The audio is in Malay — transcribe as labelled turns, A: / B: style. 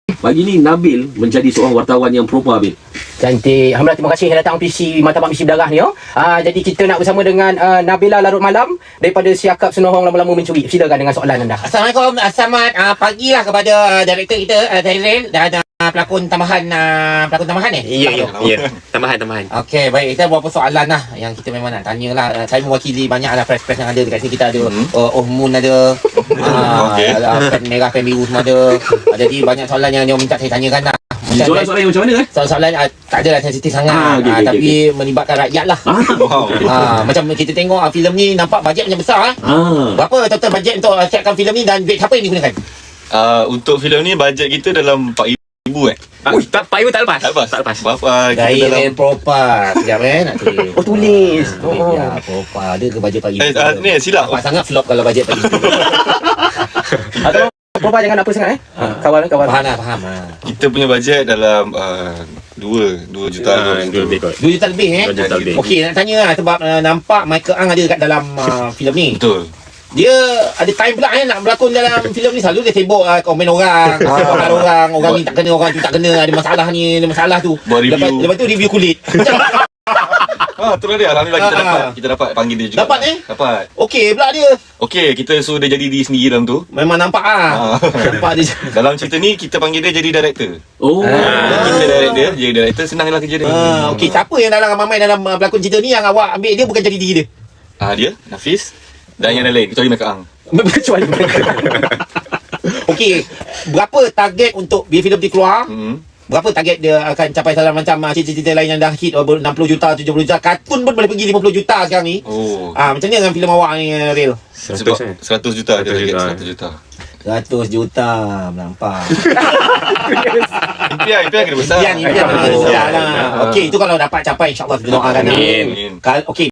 A: Pagi ni Nabil menjadi seorang wartawan yang propa, Bil.
B: Cantik. Alhamdulillah, terima kasih yang datang PC Martabat Misi Berdarah ni. Jadi kita nak bersama dengan Nabila Larut Malam daripada Siakap Senohong Lama-Lama Mencuri. Silakan dengan soalan anda.
C: Assalamualaikum, selamat pagi lah kepada director kita Zairil dan pelakon tambahan
D: Ya. Tambahan.
C: Okey, baik, kita beberapa soalan lah yang kita memang nak tanya lah. Saya mewakili banyak lah press-press yang ada dekat sini. Kita ada Moon ada, ada pen merah, pen biru semua ada. Jadi banyak soalan yang dia minta saya tanyakan lah.
A: Soalan-soalan yang macam mana?
C: Soalan tak adalah sensitif sangat, tapi melibatkan rakyat lah. Macam kita tengok filem ni nampak bajet macam besar. Berapa total bajet untuk siapkan filem ni dan duit siapa yang digunakan?
E: Untuk filem ni bajet kita dalam 4,000
D: Tak lepas.
E: Berapa kita
C: Gaya
E: dalam
C: propa. Sekejap nak tulis.
B: Oh, tulis.
C: Ya, propa. Ada ke bajet pagi?
E: ni silap.
C: Nampak sangat flop kalau bajet pagi.
B: Atau Propa jangan apa sangat Kawal.
C: Faham.
E: Kita punya bajet dalam 2 juta
D: 2 lebih kot.
C: 2 juta lebih
D: 2 juta lebih.
C: Okey, nak tanya lah sebab nampak Michael Ang ada kat dalam filem ni.
E: Betul.
C: Dia ada time pula nak berlakon dalam filem ni. Selalu dia sibuk komen orang, orang ni tak kena, orang tu tak kena, ada masalah ni, ada masalah tu.
E: Buat review.
C: Lepas tu review kulit.
E: Tu dia. Alhamdulillah kita dapat panggil dia juga. Dapat.
C: Okey pula dia.
E: Okey, kita suruh dia jadi diri sendiri dalam tu.
C: Memang nampak nampak dia.
E: Dalam cerita ni kita panggil dia jadi director. Kita direct dia, jadi director, senanglah kerja dia.
C: Okey, siapa yang dalam ramai dalam pelakon cerita ni yang awak ambil dia bukan jadi diri dia?
E: Dia, Nafis dan yang lain kecuali Michael Ang.
C: Kecuali Okey, berapa target untuk bila filem ni keluar? Berapa target dia akan capai dalam macam cerita-cerita lain yang dah hit 60 juta, 70 juta. Kartun pun boleh pergi 50 juta sekarang ni. Macam ni dengan filem awak ni, Real?
E: 100 juta dia target 100 juta.
C: 100 juta nampak.
E: Impian kena besar.
C: Impian kena besar lah. Okey, itu kalau dapat capai insya-Allah kita doakan.
E: Amin.
C: Okey.